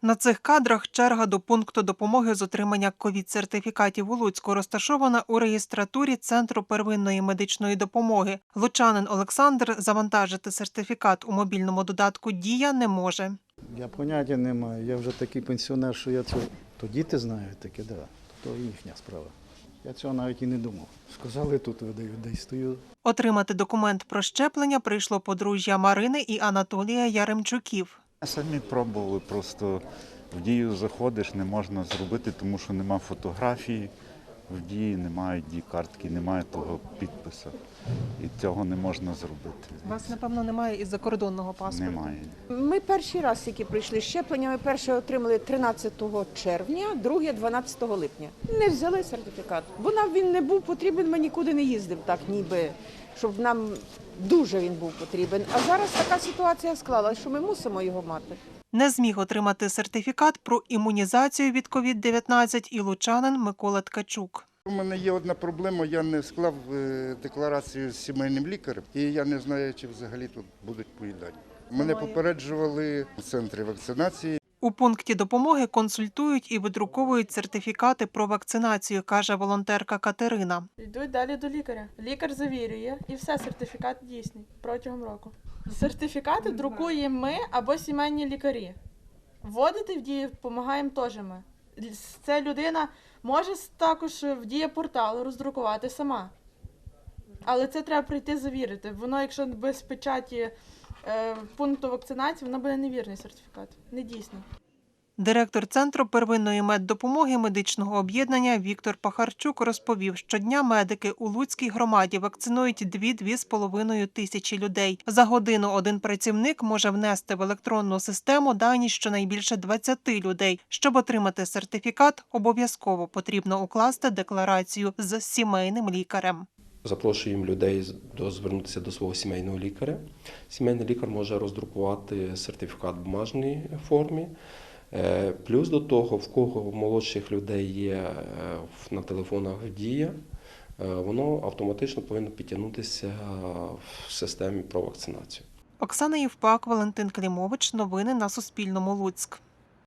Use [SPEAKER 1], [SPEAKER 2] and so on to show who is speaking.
[SPEAKER 1] На цих кадрах черга до пункту допомоги з отримання ковід-сертифікатів у Луцьку розташована у реєстратурі Центру первинної медичної допомоги. Лучанин Олександр завантажити сертифікат у мобільному додатку «Дія» не може.
[SPEAKER 2] Я поняття не маю. Я вже такий пенсіонер, що я цього... То діти знають таке, да. То їхня справа. Я цього навіть і не думав. Сказали, тут видають, де й стою.
[SPEAKER 1] Отримати документ про щеплення прийшло подружжя Марини і Анатолія Яремчуків.
[SPEAKER 3] Самі пробували, просто в Дію заходиш, не можна зробити, тому що нема фотографії, в Дії немає Дій-картки, немає того підпису. І цього не можна зробити.
[SPEAKER 1] У вас, напевно, немає і закордонного паспорту?
[SPEAKER 3] Немає.
[SPEAKER 4] Ми перший раз, які прийшли щеплення, ми перше отримали 13 червня, друге 12 липня. Не взяли сертифікат, бо нам він не був потрібен, ми нікуди не їздив так, ніби, щоб нам дуже він був потрібен. А зараз така ситуація склалася, що ми мусимо його мати.
[SPEAKER 1] Не зміг отримати сертифікат про імунізацію від ковід-19 і лучанин Микола Ткачук.
[SPEAKER 5] У мене є одна проблема, я не склав декларацію з сімейним лікарем, і я не знаю, чи взагалі тут будуть поїдання. Мене попереджували в центрі вакцинації.
[SPEAKER 1] У пункті допомоги консультують і видруковують сертифікати про вакцинацію, каже волонтерка Катерина.
[SPEAKER 6] Йдуть далі до лікаря. Лікар завірює і все, сертифікат дійсний протягом року. Сертифікати друкуємо ми або сімейні лікарі. Вводити в Дію допомагаємо теж ми. Ця людина може також в Дія-портал роздрукувати сама. Але це треба прийти завірити. Воно, якщо без печаті пункту вакцинації, воно буде невірний сертифікат, недійсний.
[SPEAKER 1] Директор Центру первинної меддопомоги медичного об'єднання Віктор Пахарчук розповів, щодня медики у Луцькій громаді вакцинують 2–2,5 тисячі людей. За годину один працівник може внести в електронну систему дані щонайбільше 20 людей. Щоб отримати сертифікат, обов'язково потрібно укласти декларацію з сімейним лікарем.
[SPEAKER 7] Запрошуємо людей звернутися до свого сімейного лікаря. Сімейний лікар може роздрукувати сертифікат в бумажній формі. Плюс до того, в кого в молодших людей є на телефонах Дія, воно автоматично повинно підтягнутися в системі про вакцинацію.
[SPEAKER 1] Оксана Євпак, Валентин Клімович. Новини на Суспільному. Луцьк.